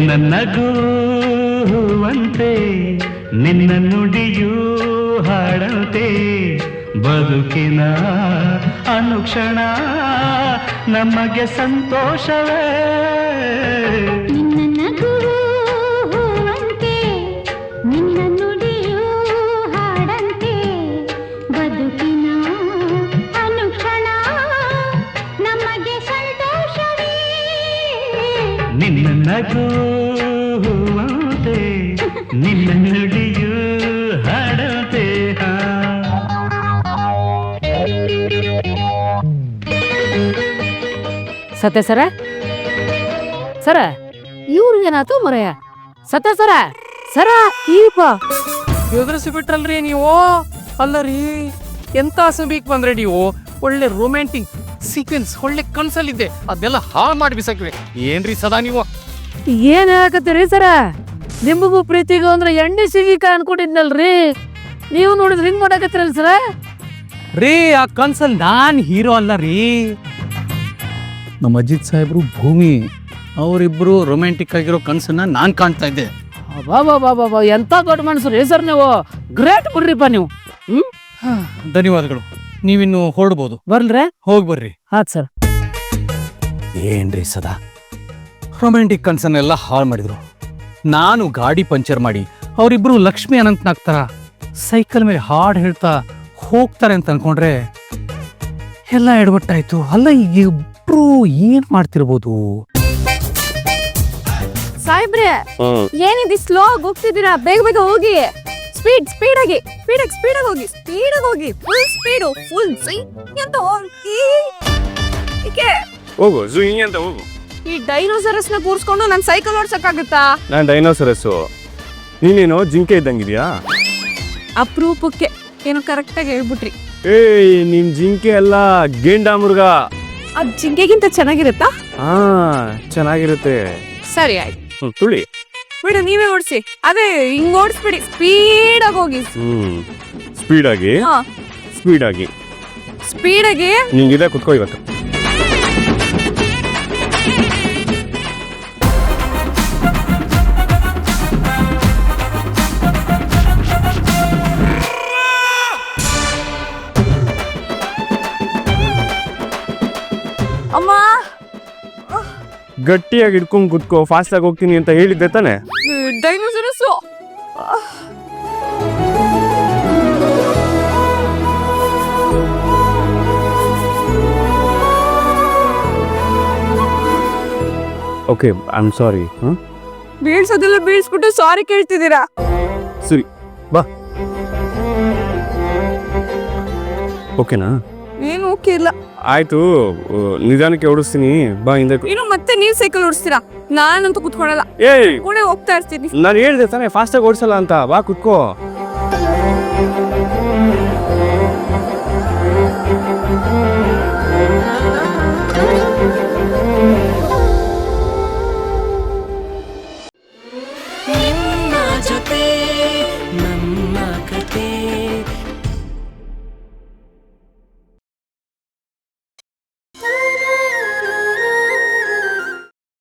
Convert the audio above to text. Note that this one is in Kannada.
ನಿನ್ನ ನಗುವಂತೆ ನಿನ್ನ ನುಡಿಯೂ ಹಾಡಂತೆ ಬದುಕಿನ ಅನುಕ್ಷಣ ನಮಗೆ ಸಂತೋಷವೇ. ನಿನ್ನ ನಗುವಂತೆ ನಿನ್ನ ನುಡಿಯೂ ಹಾಡಂತೆ ಬದುಕಿನ ಅನುಕ್ಷಣ ನಮಗೆ ಸಂತೋಷವೇ. ನಿನ್ನ ನಗುವಂತೆ ನಿನ್ನ ನುಡಿಯೂ ಹಾಡಂತೆ. ಸತ್ಯ ಸರ ಸರ ಇವ್ರಿಗೇನಾಯ್ತು ಮರೆಯ ಸತ್ಯ ಸರ ಸರ ಈಪ ಎದುರಿಸಿ ಬಿಟ್ರಲ್ರಿ ನೀವು. ಅಲ್ಲ ರೀ, ಎಂತ ಸಮೀಕ್ ಬಂದ್ರೆ ನೀವು. ಒಳ್ಳೆ ರೊಮ್ಯಾಂಟಿಕ್ ಸೀಕ್ವೆನ್ಸ್ ಒಳ್ಳೆ ಕನ್ಸಲ್ಲಿದ್ದೆ, ಅದೆಲ್ಲ ಹಾಳು ಮಾಡಿ ಬಿಸಾಕಿವೆ. ಏನ್ರಿ ಸದಾ ನೀವು ಏನ್ ಹೇಳಕತ್ತೀರಿ ಸರ? ನಿಮಗೂ ಪ್ರೀತಿಗೂ ಅಂದ್ರೆ ಎಣ್ಣೆ ಸಿಗಿಕ ಅನ್ಕೊಂಡಿದ್ನಲ್ರಿ, ನೀವು ನೋಡಿದ್ರೆ ಹಿಂಗ್ ಮಾಡಕತ್ತೀರಲ್ಲ ಸರ? ರೀ, ಆ ಕನ್ಸಲ್ ನಾನ್ ಹೀರೋ ಅಲ್ಲ ರೀ, ನಮ್ಮ ಅಜಿತ್ ಸಾಹೇಬ್ರು ಭೂಮಿ. ಅವರಿಬ್ರು ರೊಮ್ಯಾಂಟಿಕ್ ಆಗಿರೋ ಕನ್ಸನ್ನ ನಾನ್ ಕಾಣ್ತಾ ಇದ್ದೆ. ಬಾಬಾ ಎಂತ ದೊಡ್ಡ ಮನಸ್ಸು ರೀ ಸರ್, ನೀವು ಗ್ರೇಟ್ ಬಿಡ್ರಿಪ್ಪ ನೀವು. ಧನ್ಯವಾದಗಳು. ನೀವಿನ್ನು ಹೊರಡ್ಬೋದು. ಬರ್ಲ್ರೆ? ಹೋಗಿ ಬರ್ರಿ. ಆತ್ ಸರ್. ಏನ್ರಿ ಸದಾ ರೊಮ್ಯಾಂಟಿಕ್ ಕನ್ಸನ್ನೆಲ್ಲ ಹಾಳು ಮಾಡಿದ್ರು. ನಾನು ಗಾಡಿ ಪಂಚರ್ ಮಾಡಿ ಅವರಿಬ್ರು ಲಕ್ಷ್ಮಿ ಅನಂತನಾಗ್ತಾರ ಸೈಕಲ್ ಮೇಲೆ ಹಾಡು ಹೇಳ್ತಾ ಹೋಗ್ತಾರೆ ಅಂತ ಅನ್ಕೊಂಡ್ರೆ ಎಲ್ಲ ಎಡವಟ್ಟಾಯ್ತು. ಅಲ್ಲ, ಈಗ ಇಬ್ರು ಏನ್ ಮಾಡ್ತಿರ್ಬೋದು? ಸಾಹೇಬ್ರೆ, ಏನಿದೆ ಸ್ಲೋ ಆಗಿ ಹೋಗ್ತಿದ್ದೀರಾ? ಬೇಗ ಬೇಗ ಹೋಗಿ. ಸ್ಪೀಡ್ ಆಗಿ ಹೋಗಿ. ಫುಲ್ ಸ್ಪೀಡು, ಫುಲ್ ಅಂತ ಹೋಗಿ. ಹೋಗು ಜುಯಿ ಅಂತ ಹೋಗು. ಈ ಡೈನೋಸರಸ್ ನ ಕೂರ್ಸ್ಕೊಂಡು ನನ್ ಸೈಕಲ್ ಓಡ್ಸಕ್ಕಾಗತ್ತಾ? ನಾನು ಡೈನೋಸರಸ್ಸು, ನೀನೇನೋ ಜಿಂಕೆ ಇದ್ದಂಗಿದ್ಯಾ? ಅಪರೂಪಕ್ಕೆ ಏನೋ ಕರೆಕ್ಟ್ ಆಗಿ ಹೇಳ್ಬಿಟ್ರಿ. ಏಯ್, ನಿಮ್ ಜಿಂಕೆ ಅಲ್ಲ, ಗೇಂಡಾ ಮೃಗ. ಅದ್ ಜಿಂಕೆಗಿಂತ ಚೆನ್ನಾಗಿರುತ್ತಾ? ಹಾ, ಚೆನ್ನಾಗಿರುತ್ತೆ. ಸರಿ ಆಯ್ತು, ತುಳಿ ಬಿಡು, ನೀವೇ ಓಡಿಸಿ. ಅದೇ ಹಿಂಗ್ ಓಡಿಸ್ಬಿಡಿ, ಸ್ಪೀಡ್ ಆಗಿ ಹೋಗಿ. ಸ್ಪೀಡಾಗಿ ಸ್ಪೀಡಾಗಿ ನಿಂಗಿದೆ, ಕುತ್ಕೋ ಇವತ್ತು. ಅಮ್ಮ, ಗಟ್ಟಿಯಾಗಿ ಹಿಡ್ಕೊಂಡ್ ಕುತ್ಕೋ, ಫಾಸ್ಟ್ ಆಗಿ ಹೋಗ್ತೀನಿ ಅಂತ ಹೇಳಿದ್ದೆ ತಾನೆ? Dinosaurs. Okay, I am sorry. ಬೀಳ್ಸೋದೆಲ್ಲ ಬೀಳ್ಸ್ಬಿಟ್ಟು ಸಾರಿ ಕೇಳ್ತಿದ್ದೀರಾ? ಸರಿ, ಬಾ. ಓಕೆನಾ? ಏನು ಓಕೆ ಇಲ್ಲ. ಆಯ್ತು, ನಿಧಾನಕ್ಕೆ ಓಡಿಸ್ತೀನಿ, ಬಾ ಹಿಂದೆ. ಇನ್ನು ಮತ್ತೆ ನೀವ್ ಸೈಕಲ್ ಓಡಿಸ್ತೀರಾ? ನಾನಂತೂ ಕುತ್ಕೊಳಲ್ಲ, ಏಯ್, ಕೂಡ ಹೋಗ್ತಾ ಇರ್ತೀನಿ. ನಾನು ಹೇಳ್ದೆ ತಾನೆ ಫಾಸ್ಟ್ ಆಗಿ ಓಡಿಸಲ್ಲ ಅಂತ. ಬಾ ಕುತ್ಕೋ.